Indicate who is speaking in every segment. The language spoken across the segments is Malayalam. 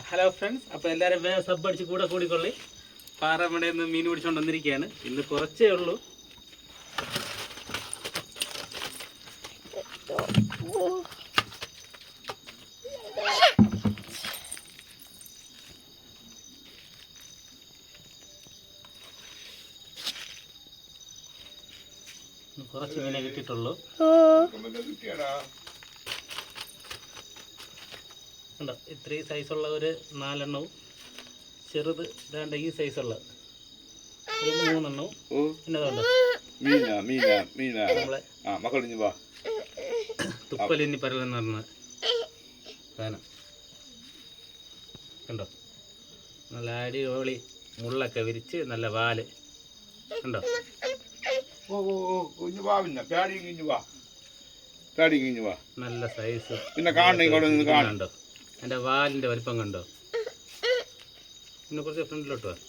Speaker 1: ഹലോ ഫ്രണ്ട്സ്, അപ്പോൾ എല്ലാവരും വേഗം സബ് അടിച്ച് കൂടിക്കൊള്ളി. പാറമടയിൽ നിന്ന് മീൻ പിടിച്ചുകൊണ്ട് വന്നിരിക്കുകയാണ്. ഇന്ന് കുറച്ചേ ഉള്ളൂ. കുറച്ച് മീനെ കിട്ടിയിട്ടുള്ളൂ. ഉണ്ടോ ഇത്രയും സൈസുള്ള ഒരു 4 എണ്ണവും, ചെറുത് ഇതാണ്ട് ഈ സൈസുള്ള ഒരു 3 എണ്ണവും, പിന്നെ നമ്മളെ തുപ്പലിന്നി പരലെന്ന് പറഞ്ഞ സാധനം കണ്ടോ. നല്ല അടിപൊളി മുള്ളൊക്കെ വിരിച്ച് നല്ല വാല് കണ്ടോ. നല്ല സൈസ് കണ്ടോ. എൻ്റെ വാലിൻ്റെ വലിപ്പം കണ്ടോ. പിന്നെ കുറച്ച് ഫ്രണ്ടിലോട്ട് വാ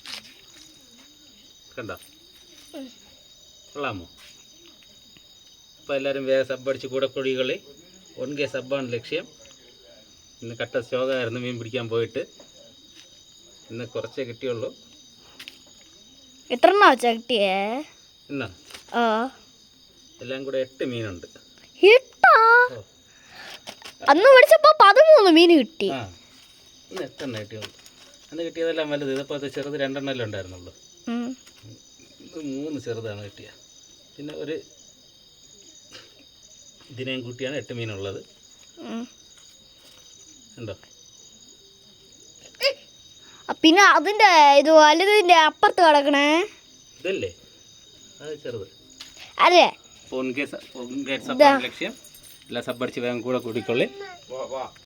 Speaker 1: കണ്ടോ. കൊള്ളാമോ? അപ്പോൾ എല്ലാവരും വേഗം സബ് അടിച്ച് കൂടിക്കൊള്ളി. 1K സബ്ബാണ് ലക്ഷ്യം. ഇന്ന് കട്ട സ്റ്റോക്കായിരുന്നു മീൻ പിടിക്കാൻ പോയിട്ട്. ഇന്ന് കുറച്ചേ കിട്ടിയുള്ളൂ.
Speaker 2: എത്ര കിട്ടിയേ
Speaker 1: എന്നാ എല്ലാം കൂടെ 8 മീനുണ്ട്.
Speaker 2: അന്ന് പിടിച്ചപ്പോ 13 മീൻ കിട്ടി.
Speaker 1: ഇന്ന് 8 എണ്ണം കിട്ടിയുള്ളൂ. അന്ന് കിട്ടിയതെല്ലാം വലുത്. ഇതിപ്പോൾ ചെറുത് 2 എണ്ണല്ലേ ഉണ്ടായിരുന്നുള്ളൂ. ഇത് 3 ചെറുതാണ് കിട്ടിയ. പിന്നെ ഒരു ഇതിനെയും കൂട്ടിയാണ് 8 മീനുള്ളത്. ഉണ്ടോ.
Speaker 2: പിന്നെ അതിന്റെ ഇത് വലുതിന്റെ അപ്പുറത്ത് കിടക്കണേ
Speaker 1: ഇതല്ലേ, അത് ചെറുത്
Speaker 2: അല്ലേ.
Speaker 1: 1K സബ്ബാണ് ലക്ഷ്യം. എല്ലാം സബ്ബടിച്ച് വേഗം കൂടിക്കൊള്ളി.